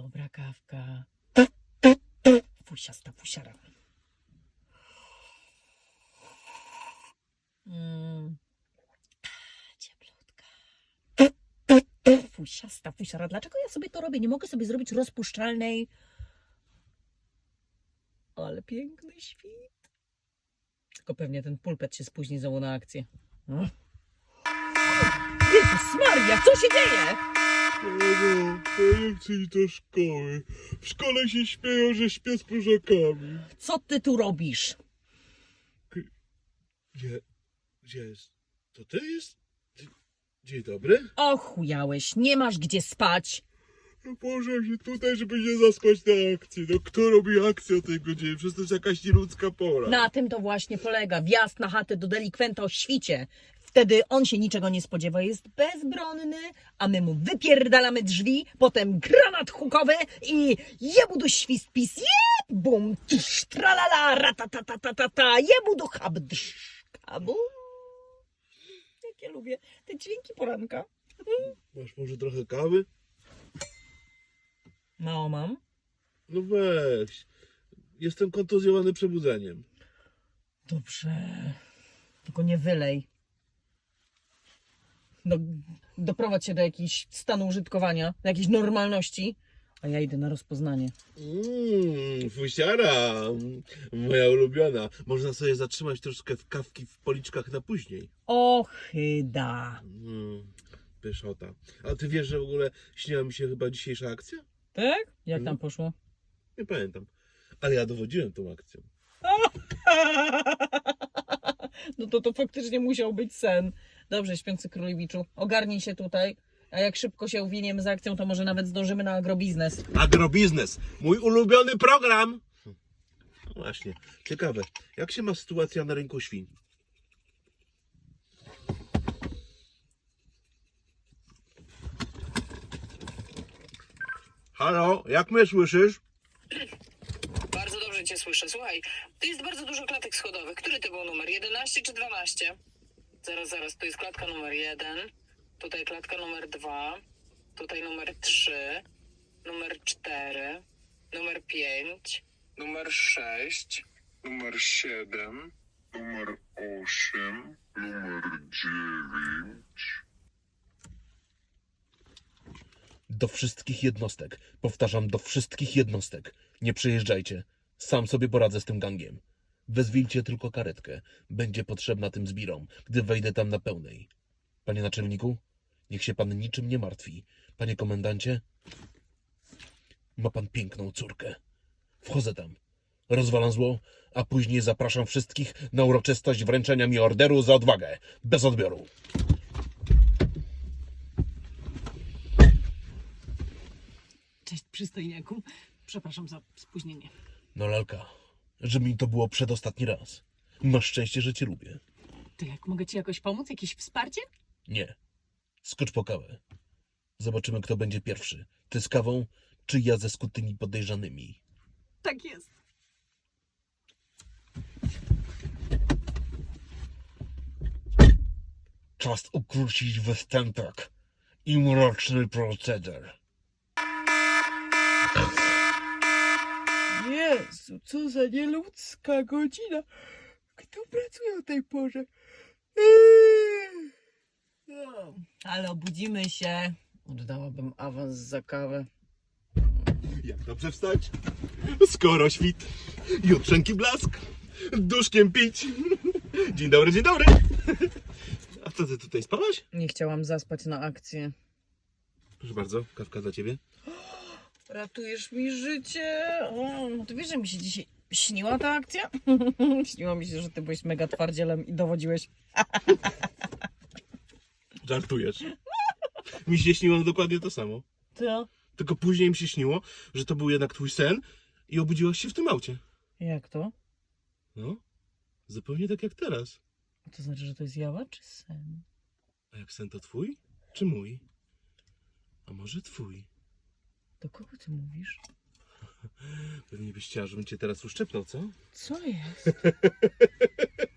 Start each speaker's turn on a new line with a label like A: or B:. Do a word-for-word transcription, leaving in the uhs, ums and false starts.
A: Dobra kawka. Fusiasta fusiara. Mm. Cieplutka. Fusiasta fusiara. Dlaczego ja sobie to robię? Nie mogę sobie zrobić rozpuszczalnej. Ale piękny świt. Tylko pewnie ten pulpet się spóźni znowu na akcję. Hmm? Jezus Maria, co się dzieje?
B: Mamo, ja nie chcę iść do szkoły. W szkole się śmieją, że śpię z próżakami.
A: Co ty tu robisz?
B: Gdzie? Gdzie jest? To ty jest? Dzień dobry.
A: Ochujałeś, nie masz gdzie spać.
B: No położyłem się tutaj, żeby nie zaspać na akcji. No kto robi akcję o tej godzinie? Przecież to jest jakaś nieludzka pora.
A: Na tym to właśnie polega. Wjazd na chatę do delikwenta o świcie. Wtedy on się niczego nie spodziewa, jest bezbronny, a my mu wypierdalamy drzwi, potem granat hukowy i jebudu świst pis, jebum, tsz, tralala, ratatatatata, jebudu habdsz, kabum. Jak ja lubię te dźwięki poranka.
B: Masz może trochę kawy?
A: Mało mam.
B: No weź. Jestem kontuzjowany przebudzeniem.
A: Dobrze, tylko nie wylej. Do, doprowadź się do jakiegoś stanu użytkowania, do jakiejś normalności, a ja idę na rozpoznanie.
B: Mmm, fusiara. Moja ulubiona. Można sobie zatrzymać troszkę w kawki w policzkach na później.
A: Ochyda.
B: Mm, pyszota. A ty wiesz, że w ogóle śniła mi się chyba dzisiejsza akcja?
A: Tak? Jak
B: Mhm.
A: tam poszło?
B: Nie pamiętam. Ale ja dowodziłem tą akcją.
A: No to to faktycznie musiał być sen. Dobrze, śpiący królewiczu, ogarnij się tutaj, a jak szybko się uwiniemy z akcją, to może nawet zdążymy na agrobiznes.
B: Agrobiznes. Mój ulubiony program. No właśnie. Ciekawe. Jak się ma sytuacja na rynku świń? Halo, jak mnie słyszysz?
C: Bardzo dobrze cię słyszę. Słuchaj, tu jest bardzo dużo klatek schodowych. Który to był numer? jedenaście czy dwanaście? Zaraz, zaraz. Tu jest klatka numer jeden. Tutaj klatka numer dwa. Tutaj numer trzy. Numer cztery. Numer pięć.
D: Numer sześć, numer siedem, numer osiem, numer dziewięć.
B: Do wszystkich jednostek. Powtarzam, do wszystkich jednostek. Nie przyjeżdżajcie. Sam sobie poradzę z tym gangiem. Wezwijcie tylko karetkę. Będzie potrzebna tym zbirom, gdy wejdę tam na pełnej. Panie naczelniku, niech się pan niczym nie martwi. Panie komendancie, ma pan piękną córkę. Wchodzę tam, rozwalam zło, a później zapraszam wszystkich na uroczystość wręczenia mi orderu za odwagę. Bez odbioru.
A: Cześć, przystojniaku. Przepraszam za spóźnienie.
B: No lalka, żeby mi to było przedostatni raz. Masz szczęście, że cię lubię.
A: To jak, mogę ci jakoś pomóc? Jakieś wsparcie?
B: Nie. Skocz po kawę. Zobaczymy, kto będzie pierwszy. Ty z kawą, czy ja ze skutymi podejrzanymi.
A: Tak jest.
B: Czas ukrócić występek i mroczny proceder.
A: Jezu, co za nieludzka godzina. Kto pracuje o tej porze? No, ale obudzimy się. Oddałabym awans za kawę.
B: Jak dobrze wstać? Skoro świt, jutrzenki blask, duszkiem pić. Dzień dobry, dzień dobry. A co ty tutaj spałaś?
A: Nie chciałam zaspać na akcję.
B: Proszę bardzo, kawka dla ciebie.
A: Ratujesz mi życie. O, ty wiesz, że mi się dzisiaj śniła ta akcja? Śniło mi się, że ty byłeś mega twardzielem i dowodziłeś.
B: Żartujesz. Mi się śniło dokładnie to samo.
A: Co?
B: Tylko później mi się śniło, że to był jednak twój sen i obudziłaś się w tym aucie.
A: Jak to?
B: No, zupełnie tak jak teraz.
A: To znaczy, że to jest jawa czy sen?
B: A jak sen to twój, czy mój? A może twój?
A: Do kogo ty mówisz?
B: Pewnie byś chciała, żebym cię teraz uszczepnął, co?
A: Co jest?